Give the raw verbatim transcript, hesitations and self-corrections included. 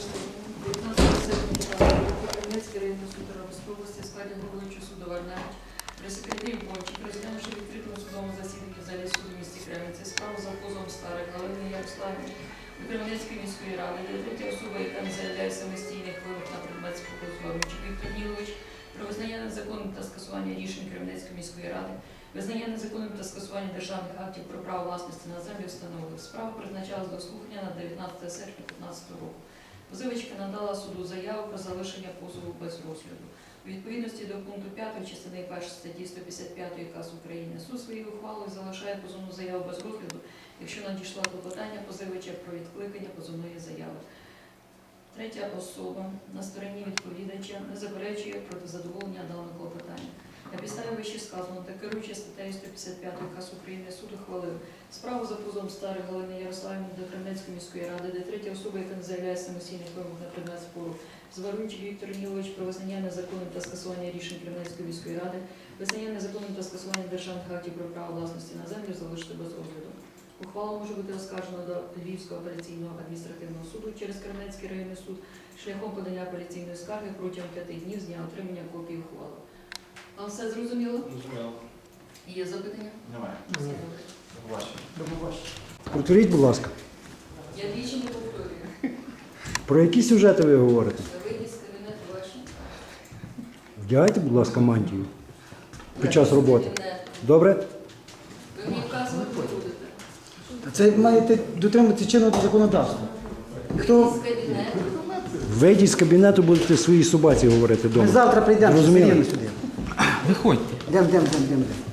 дев'ятнадцятого серпня Кременецький районний суд Тернопільської області в складі головуючого суду Варнавич при секретарі Бончик, розглянувши в відкритому судовому засіданні в залі суду в місті Кременці справу за позовом Старих Галини Ярославівни до Кременецької міської ради, де третя особа, яка не заявляє самостійних вимог на предмет спокою Віктор Нілович, про визнання незаконним та скасування рішень Кременецької міської ради, визнання незаконним та скасування державних актів про право власності на землю встановив. Справа призначалась до слухання на дев'ятнадцяте серпня дві тисячі п'ятнадцятого року. Позивачка надала суду заяву про залишення позову без розгляду. У відповідності до пункту п'ятої частини першої статті сто п'ятдесят п'ятої КАС України суд своєю ухвалою залишає позовну заяву без розгляду, якщо надійшло клопотання позивача про відкликання позовної заяви. Третя особа на стороні відповідача не заперечує проти задоволення даного клопотання. На підставі вище сказано та керуючи статтею сто п'ятдесят п'ятої КАС України суд ухвалив справу за позовом Старих Галини Ярославівни до Кременецької міської ради, де третя особа, яка не заявляє самостійних вимог на предмет спору, Зварунчик Віктор Нілович, про визнання незаконним та скасування рішень Кременецької міської ради, визнання незаконним та скасування державних актів про право власності на землю залишити без розгляду. Ухвала може бути оскаржена до Львівського апеляційного адміністративного суду через Кременецький районний суд шляхом подання апеляційної скарги протягом п'яти днів з дня отримання копії ухвали. А все зрозуміло? Зрозуміло. Є запитання? Немає. Все добре. До побачення. Повторіть, будь ласка, Я двічі не повторюю. про які сюжети ви говорите? Вийдіть з кабінету ваші. Вдягайте, будь ласка, мантію під час роботи. Кабінет. Добре? Ви мені вказувати будете. Це маєте дотримуватися чинного законодавства. Хто... Вийдіть з кабінету. Вийдіть з кабінету, будете своїй собаці говорити Ми вдома. завтра прийдемо Зрозуміло. сюди. Виходьте. Йдемо, йдемо, йдемо, йдемо.